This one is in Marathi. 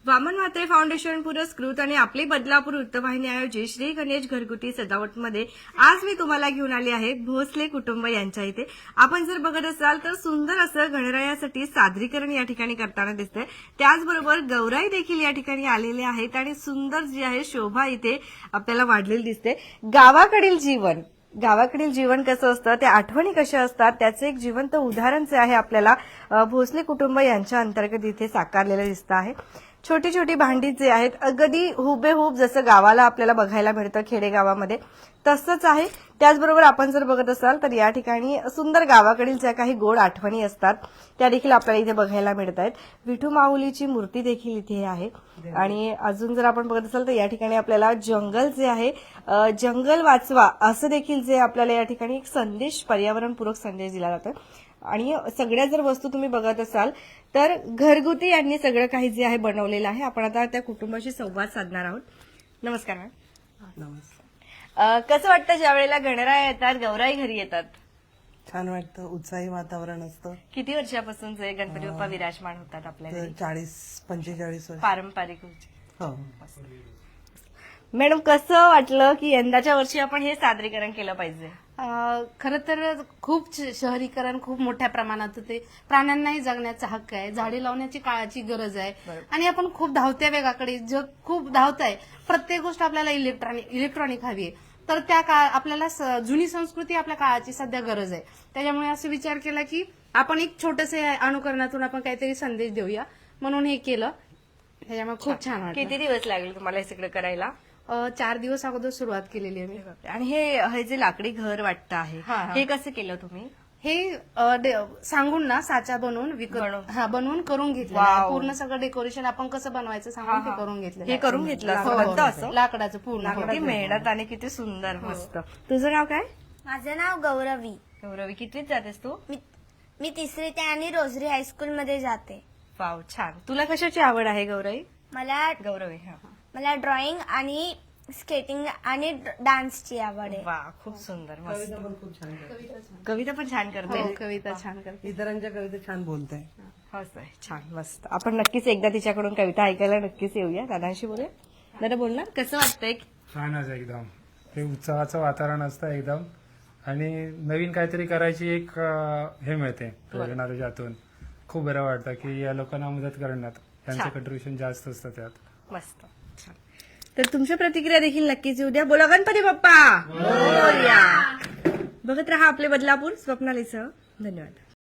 वामन म्हात्रे फाउंडेशन पुरस्कृत आणि आपली बदलापूर वृत्तवाहिनी आयोजित श्री गणेश घरगुती सजावटमध्ये आज मी तुम्हाला घेऊन आली आहे भोसले कुटुंब यांच्या इथे. आपण जर बघत असाल तर सुंदर असं गणरायासाठी सादरीकरण या ठिकाणी करताना दिसतंय. त्याचबरोबर गौराई देखील या ठिकाणी आलेले आहेत आणि सुंदर जी आहे शोभा इथे आपल्याला वाढलेली दिसते. गावाकडील जीवन कसं असतं, त्या आठवणी कशा असतात, त्याचे एक जिवंत उदाहरण जे आहे आपल्याला भोसले कुटुंब यांच्या अंतर्गत इथे साकारलेलं दिसतं आहे. छोटी छोटी भांडी जे आहेत अगदी हुबेहूब जसं गावाला आपल्याला बघायला मिळतं खेडेगावामध्ये तसंच आहे. त्याचबरोबर आपण जर बघत असाल तर या ठिकाणी सुंदर गावाकडील ज्या काही गोड आठवणी असतात त्या देखील आपल्याला इथे बघायला मिळत आहेत. विठू माऊलीची मूर्ती देखील इथे आहे आणि अजून जर आपण बघत असाल तर या ठिकाणी आपल्याला जंगल जे आहे जंगल वाचवा असं देखील जे आपल्याला या ठिकाणी एक संदेश पर्यावरणपूरक संदेश दिला जातो. आणि सगळ्या जर वस्तू तुम्ही बघत असाल तर घरगुती यांनी सगळं काही जे आहे बनवलेलं आहे. आपण आता त्या कुटुंबाशी संवाद साधणार आहोत. नमस्कार मॅम. नमस्कार. कसं वाटतं ज्या वेळेला गणराया येतात, गौराई घरी येतात? छान वाटतं, उत्साही वातावरण असतं. किती वर्षापासून जे गणपती बाप्पा विराजमान होतात आपल्या घरी? 40-45 वर्ष. पारंपरिक हो. मॅडम कसं वाटलं की यंदाच्या वर्षी आपण हे सादरीकरण केलं पाहिजे? खरं तर खूप शहरीकरण खूप मोठ्या प्रमाणात होते. प्राण्यांनाही जगण्याचा हक्क आहे, झाडे लावण्याची काळाची गरज आहे आणि आपण खूप धावत्या वेगाकडे जग खूप धावत आहे. प्रत्येक गोष्ट आपल्याला इलेक्ट्रॉनिक हवी आहे. तर त्या काळ आपल्याला जुनी संस्कृती आपल्या काळाची सध्या गरज आहे. त्याच्यामुळे असं विचार केला की आपण एक छोटसे अनुकरणातून आपण काहीतरी संदेश देऊया म्हणून हे केलं. त्याच्यामुळे खूप छान वाटलं. किती दिवस लागले तुम्हाला हे सगळं करायला? 4 दिवस अगोदर सुरुवात केलेली आहे मी. आणि हे जे लाकडी घर वाटतं आहे हे कसं केलं तुम्ही? हे सांगून ना साचा बनवून बनवून करून घेतलं. पूर्ण सगळं डेकोरेशन आपण कसं बनवायचं सांगून ते करून घेतलं. हे करून घेतलं असं लाकडाचं पूर्ण. किती मेहनत आणि किती सुंदर मस्त. तुझं नाव काय? माझं नाव गौरवी. गौरवी, कितवीत जातेस तू? मी तिसरी ते आणि रोजरी हायस्कूल मध्ये जाते. वाव, छान. तुला कशाची आवड आहे गौरवी? मला मला ड्रॉइंग आणि स्केटिंग आणि डान्सची आवड आहे. वा, खूप सुंदर, मस्त. कविता पण खूप छान करते. कविता पण छान करते. कविता छान करते. इतरांच्या कविता छान बोलते. छान, मस्त. आपण नक्कीच एकदा तिच्याकडून कविता ऐकायला नक्कीच येऊया. दादांशी बोलूया. दादा बोलणार, कसं वाटतंय? छानच एकदम. हे उत्साहाचं वातावरण असतं एकदम आणि नवीन काहीतरी करायची एक हे मिळते प्रेरणा त्याच्यातून. खूप बरं वाटतं की या लोकांना मदत करण्यात त्यांचं कंट्रीब्युशन जास्त असतं त्यात. मस्त, छान. तर तुमच्या प्रतिक्रिया देखील नक्कीच येऊ द्या. बोला गणपती बाप्पा मोरया. बघत रहा आपले बदलापूर स्वप्नालीसह. धन्यवाद.